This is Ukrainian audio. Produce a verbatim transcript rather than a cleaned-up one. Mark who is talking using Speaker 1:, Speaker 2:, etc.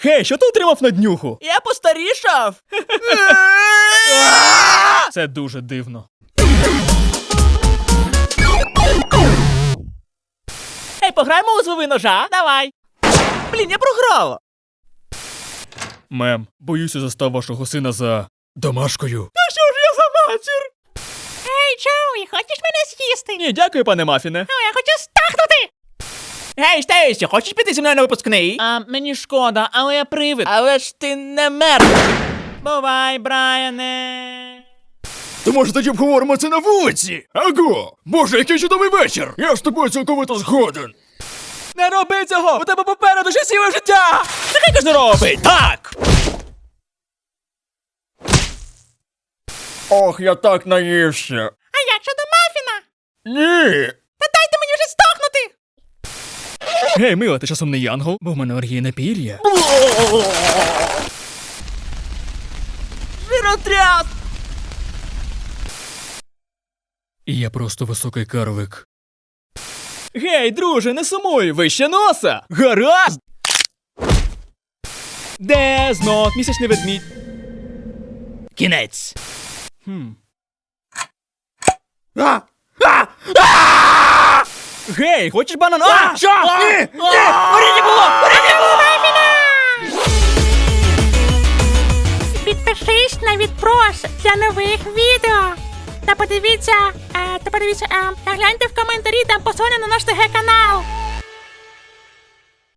Speaker 1: Хей, що ти отримав на днюху?
Speaker 2: Я постарішав.
Speaker 1: Це дуже дивно.
Speaker 2: Ей, пограємо у злови ножа? Давай. Блін, я програла.
Speaker 1: Мем, боюся, застав вашого сина за домашкою.
Speaker 2: А що ж я за матір?
Speaker 3: Ей, Джоуі, хочеш мене з'їсти?
Speaker 1: Ні, дякую, пане Мафіне.
Speaker 3: Ну, я хочу стахнути!
Speaker 2: Гей, Стейсі, хочеш піти зі мною на випускний? А, мені шкода, але я привид. Але ж ти не мертвий. Бувай, Брайане.
Speaker 1: То може тоді обговоримо це на вулиці? Аго! Боже, який чудовий вечір! Я з тобою цілковито згоден.
Speaker 2: Не роби цього! У тебе попереду ще ціле життя! Нехай кожен робить! Так!
Speaker 1: Ох, я так наївся.
Speaker 3: А як щодо мафіна?
Speaker 1: Ні!
Speaker 3: Та дайте мені вже стахнути!
Speaker 1: Гей, мила, ти часом не янгол? Бо в мене алергія на пір'я.
Speaker 2: Жиротряс!
Speaker 1: І я просто високий карлик.
Speaker 2: Гей, друже, не сумуй, вище носа! Гаразд! Де знов місячний ведмідь? Кінець. Хм. А! А! А! Гей, хочеш банан? А! Що? Ні! Ні! Горіння було! Горіння було!
Speaker 3: Підпишись на відпрос для нових відео. Та подивіться, е, та подивіться, е, та гляньте в коментарі, там посилання на наш ТГ канал.